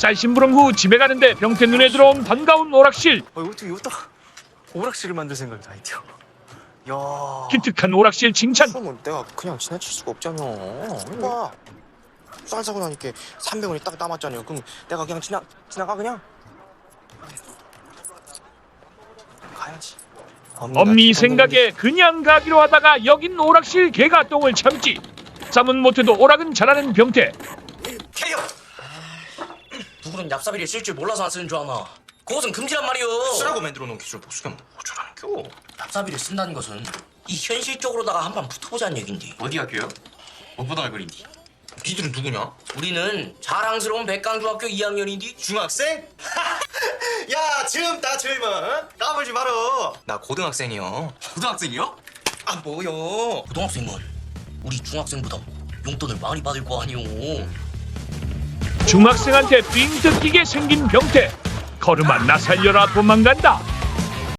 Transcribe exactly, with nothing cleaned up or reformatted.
쌀심부름 후 집에 가는데 병태 눈에 들어온 반가운 오락실. 어, 어떻게 여기다가 오락실을 만들 생각이 다 있죠. 야, 기특한 오락실 칭찬. 그러면 내가 그냥 지나칠 수가 없잖여. 그러니까 쌀 사고 나니까 삼백 원이 딱 남았잖아요. 그럼 내가 그냥 지나 지나가 그냥 가야지. 엄니 생각에 그냥 가기로 하다가 여긴 오락실 개가 똥을 참지. 쌈은 못해도 오락은 잘하는 병태. 캐리어! 누구는 얍삽이를 쓸 줄 몰라서 안 쓰는 줄 아나. 그것은 금지란 말이오. 쓰라고 만들어 놓은 기술 보수경 어쩌라는 겨? 얍삽이를 쓴다는 것은 이 현실적으로다가 한판 붙어보자는 얘긴데. 어디 학교요? 무엇보다 알거린디. 니들은 누구냐? 우리는 자랑스러운 백강중학교 이 학년인데. 중학생? 야, 젊다 젊어. 까불지 마라. 나 고등학생이요. 고등학생이요? 아, 뭐요? 고등학생은 우리 중학생보다 용돈을 많이 받을 거 아니오. 중학생한테 삥 뜯기게 생긴 병태. 걸음아 나 살려라 도망간다.